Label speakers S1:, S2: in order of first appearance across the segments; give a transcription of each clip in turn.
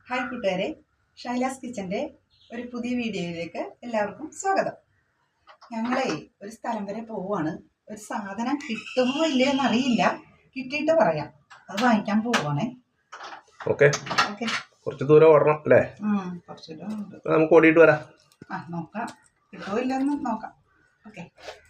S1: Hi കൂട്ടുകാരെ, ഷൈലാസ് കിച്ചൻ്റെ ഒരു പുതിയ വീഡിയോയിലേക്ക് എല്ലാവർക്കും സ്വാഗതം. ഞങ്ങളെ ഒരു സ്ഥലം വരെ പോവുകയാണ്. ഒരു സാധനം കിട്ടുമോ ഇല്ലയോ എന്നറിയില്ല, കിട്ടിയിട്ട് പറയാം. അത് വാങ്ങിക്കാൻ പോവുകയാണേ.
S2: ഓക്കെ, കുറച്ച് ദൂരം ഓടണം അല്ലേ?
S1: കുറച്ച് ദൂരം ഉണ്ട്.
S2: നമുക്ക് ഓടിയിട്ട് വരാം.
S1: നോക്കാം, കിട്ടുമോ ഇല്ലെന്ന് നോക്കാം. ഓക്കെ.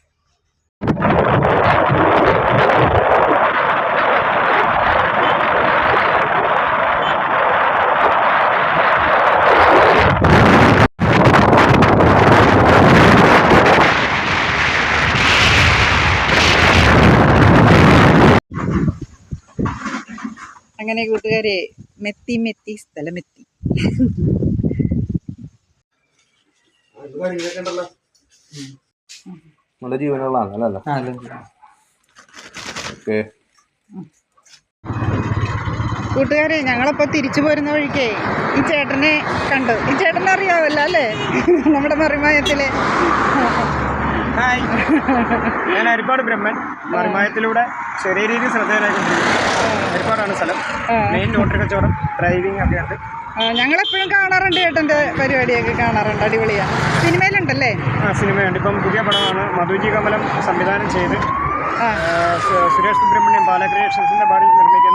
S1: അങ്ങനെ കൂട്ടുകാരെ, മെത്തി സ്ഥലമെത്തി.
S2: നല്ല ജീവനുള്ളതാണ്.
S1: കൂട്ടുകാരെ, ഞങ്ങളപ്പോ തിരിച്ചു പോരുന്ന വഴിക്കേ ഈ ചേട്ടനെ കണ്ടു. ഈ ചേട്ടനെ അറിയാവല്ലോ അല്ലേ? നമ്മുടെ മറിമായത്തിലെ.
S3: ഹായ്, ഞാൻ ഹരിപ്പാട് ബ്രഹ്മൻ. മറിമായത്തിലൂടെ ചെറിയ രീതിയിൽ ശ്രദ്ധേയനായിക്കൊണ്ടിരിക്കുന്നു. ഹരിപ്പാടാണ് സ്ഥലം. മെയിൻ ലോട്ടറി കച്ചവടം, ഡ്രൈവിംഗ് ഒക്കെ ഉണ്ട്.
S1: ഞങ്ങളെപ്പോഴും കാണാറുണ്ട്, ചേട്ടൻ്റെ പരിപാടിയൊക്കെ കാണാറുണ്ട്. അടിപൊളിയാണ്. സിനിമയിലുണ്ടല്ലേ?
S3: സിനിമയുണ്ട്. ഇപ്പം പുതിയ പടമാണ് മധുജി കമലം സംവിധാനം ചെയ്ത് സുരേഷ് സുബ്രഹ്മണ്യം ബാലക്രിയേഷൻസിൻ്റെ ബാഡി നിർമ്മിക്കുന്ന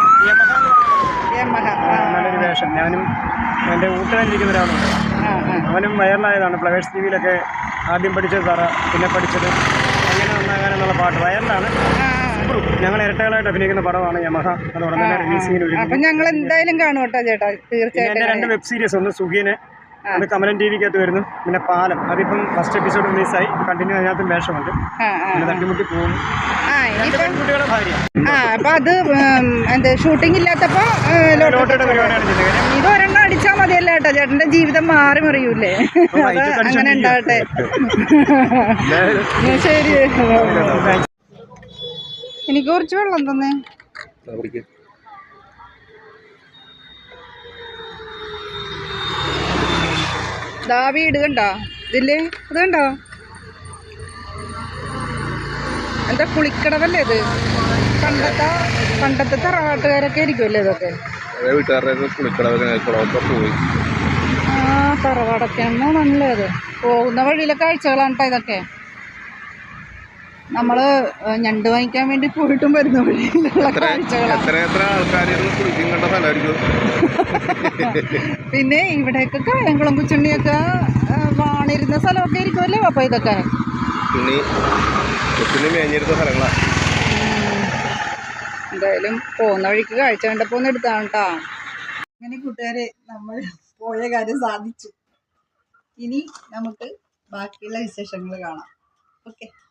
S3: യമഹ. നല്ലൊരു വേഷം. ഞാനും എൻ്റെ ഊട്ടുകാരിരിക്കുന്ന ഒരാളുണ്ട്. അവനും വൈറലായതാണ്. ഫ്ലവേഴ്സ് ടിവിയിലൊക്കെ ആദ്യം പഠിച്ചത് തറ, പിന്നെ പഠിച്ചത് അങ്ങനെ നന്നാകാനെന്നുള്ള പാട്ട് വൈറലാണ്. ഞങ്ങൾ ഇരട്ടകളായിട്ട് അഭിനയിക്കുന്ന പടമാണ് യമഹ. അത് ഉടനെ തന്നെ റിലീസിങ്ങിന്.
S1: അപ്പം ഞങ്ങൾ എന്തായാലും കാണും കേട്ടോ ചേട്ടാ, തീർച്ചയായിട്ടും.
S3: എൻ്റെ 2 വെബ് സീരീസ്, ഒന്ന് സുഖീനെ, അത് കമലൻ ടി വിക്കകത്ത് വരുന്നു, പിന്നെ പാലം, അതിപ്പം ഫസ്റ്റ് എപ്പിസോഡ് റിലീസായി. കണ്ടിന്യൂ അതിനകത്തും വേഷമുണ്ട്. പിന്നെ തട്ടിമുട്ടി പോകുന്നു. കുട്ടികളെ ഭാര്യ.
S1: അപ്പൊ അത് എന്ത് ഷൂട്ടിംഗ് ഇല്ലാത്തപ്പോ
S3: ലോട്ടറിയുടെ പരിപാടിയാണ് ചെയ്യുന്നത്.
S1: ഇത് ഒരെണ്ണം അടിച്ചാൽ മതിയല്ലോ കേട്ടോ, ചേട്ടന്റെ ജീവിതം മാറി മറിയൂലേ. അങ്ങനെ ഉണ്ടാവട്ടെ. ശരി, എനിക്ക് കുറച്ച് വെള്ളം തന്നെ. ദാ വീട് കണ്ടോ ഇതില്? ഇത് കണ്ടോ? എന്താ കുളിക്കടവല്ലേ ഇത്? പണ്ടത്തെ തറവാട്ടുകാരൊക്കെ ആയിരിക്കുമല്ലേ ഇതൊക്കെ? തറവാടൊക്കെ നല്ലത്. പോകുന്ന വഴിയിലെ കാഴ്ചകളാണ് കേട്ടോ ഇതൊക്കെ. നമ്മള് ഞണ്ട് വാങ്ങിക്കാൻ വേണ്ടി പോയിട്ടും വരുന്ന വഴിയിലുള്ള കാഴ്ചകളാണ്. പിന്നെ ഇവിടെയൊക്കെ കായംകുളം കുച്ചുണ്ണിയൊക്കെ വാണിരുന്ന സ്ഥലമൊക്കെ ആയിരിക്കുമല്ലേ അപ്പൊ ഇതൊക്കെ? എന്തായാലും പോകുന്ന വഴിക്ക് കാഴ്ച കണ്ടപ്പോ ഒന്ന് എടുത്താണ് കേട്ടോ. അങ്ങനെ കൂട്ടുകാരെ, നമ്മൾ പോയ കാര്യം സാധിച്ചു. ഇനി നമുക്ക് ബാക്കിയുള്ള വിശേഷങ്ങൾ കാണാം. ഓക്കെ.